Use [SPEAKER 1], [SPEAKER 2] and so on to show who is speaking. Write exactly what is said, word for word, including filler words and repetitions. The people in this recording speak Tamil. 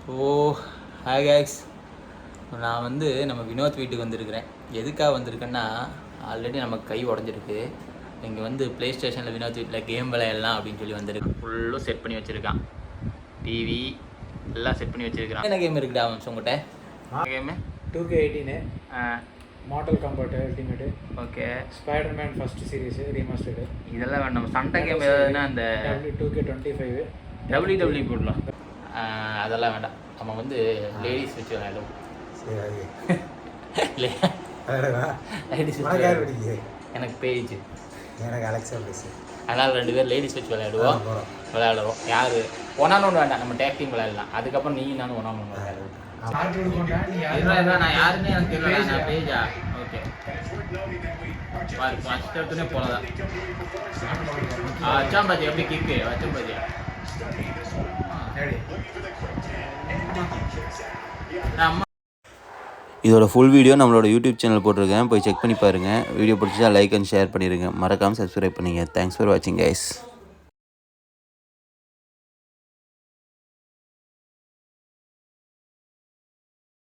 [SPEAKER 1] ஓ ஹாய் கேக்ஸ், நான் வந்து நம்ம வினோத் வீட்டுக்கு வந்திருக்கிறேன். எதுக்காக வந்திருக்கேன்னா, ஆல்ரெடி நமக்கு கை உடஞ்சிருக்கு. இங்கே வந்து ப்ளே ஸ்டேஷனில் வினோத் வீட்டில் கேம் விளையாடலாம் அப்படின்னு சொல்லி வந்திருக்கேன். ஃபுல்லும் செட் பண்ணி வச்சுருக்கான். டிவி எல்லாம் செட் பண்ணி வச்சுருக்கான். என்ன கேம் இருக்குடா அவன் உங்கள்கிட்ட? Game
[SPEAKER 2] two K eighteen Mortal Kombat Ultimate.
[SPEAKER 1] Okay.
[SPEAKER 2] Spiderman first series remastered.
[SPEAKER 1] இதெல்லாம் வேண்டாம். சண்டை கேம் ஏதாவதுன்னா அந்த
[SPEAKER 2] two K twenty five
[SPEAKER 1] W W போடலாம். அதெல்லாம் வேண்டாம். நம்ம வந்து லேடிஸ் வச்சு விளையாடுவோம். லேடிஸ் எனக்கு பேஜ்,
[SPEAKER 2] எனக்கு அலெக்ஸா பேசு.
[SPEAKER 1] அதனால் ரெண்டு பேர் லேடிஸ் வச்சு விளையாடுவோம். விளையாடுவோம் யார் ஒன்னான்னு ஒன்று வேண்டாம், நம்ம டேக் டீம் விளையாடலாம். அதுக்கப்புறம் நீ நானும் ஒன்னான்னு ஒன்று விளையாடுவோம். நான் யாருமே எனக்கு தெரியல. நான் பேஜா? ஓகே, ஃபஸ்ட் எடுத்துனே போலதான். வச்சாம் பாஜி எப்படி கிக்கு வச்சம் பாஜி.
[SPEAKER 3] இதோட ஃபுல் வீடியோ நம்மளோட யூடியூப் சேனல் போட்டிருக்கேன், போய் செக் பண்ணி பாருங்கள். வீடியோ பிடிச்சா லைக் அண்ட் ஷேர் பண்ணிடுங்க. மறக்காமல் சப்ஸ்கிரைப் பண்ணுங்கள். தேங்க்ஸ் ஃபார் வாட்சிங் கைஸ்.